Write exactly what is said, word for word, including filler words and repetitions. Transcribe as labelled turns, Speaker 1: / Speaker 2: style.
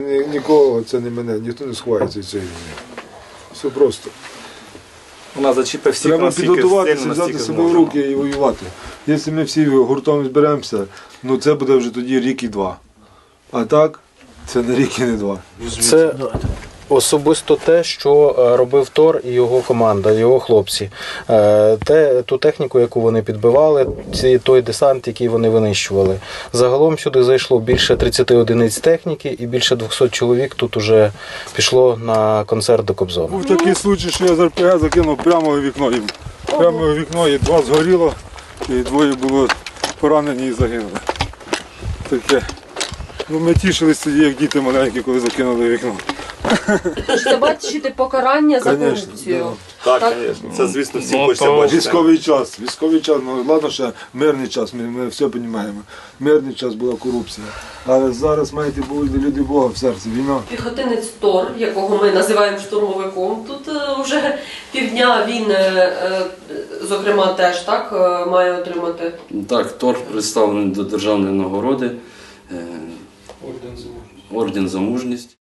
Speaker 1: Нікого це не мене, ніхто не сховається від цієї війни. Все просто.
Speaker 2: Вона зачіпить всіх,
Speaker 1: Треба
Speaker 2: наскільки
Speaker 1: підготуватися,
Speaker 2: сильно,
Speaker 1: взяти
Speaker 2: наскільки
Speaker 1: себе в
Speaker 2: зможемо.
Speaker 1: руки і воювати. Якщо ми всі гуртом зберемося, ну це буде вже тоді рік і два. А так, це не рік і не два.
Speaker 3: Це особисто те, що е, робив Тор і його команда, його хлопці. Е, Те, ту техніку, яку вони підбивали, ці, той десант, який вони винищували. Загалом сюди зайшло більше тридцяти одиниць техніки і більше двохсот чоловік тут уже пішло на концерт до Кобзона.
Speaker 1: Був такий случай, що я з ар пе ге закинув прямо у вікно їм. Прямо у вікно і два згоріло, і двоє було поранені і загинули. Таке. Ну, ми тішились тоді, як діти маленькі, коли закинули в вікно.
Speaker 4: Тож це бачите покарання за
Speaker 1: Конечно,
Speaker 4: корупцію.
Speaker 2: Так, звісно. Це, звісно, всі
Speaker 3: Ну,
Speaker 2: хочеться
Speaker 3: то-
Speaker 2: бачити.
Speaker 1: Військовий час, військовий час, ну ладно, ще мирний час, ми, ми все розуміємо. Мирний час була корупція. Але зараз маєте бути люди Бога в серці, війна.
Speaker 4: Піхотинець Тор, якого ми називаємо штурмовиком, тут е, вже півдня він, е, е, зокрема, теж так е, має отримати.
Speaker 5: Так, Тор представлений до державної нагороди, е, орден за мужність.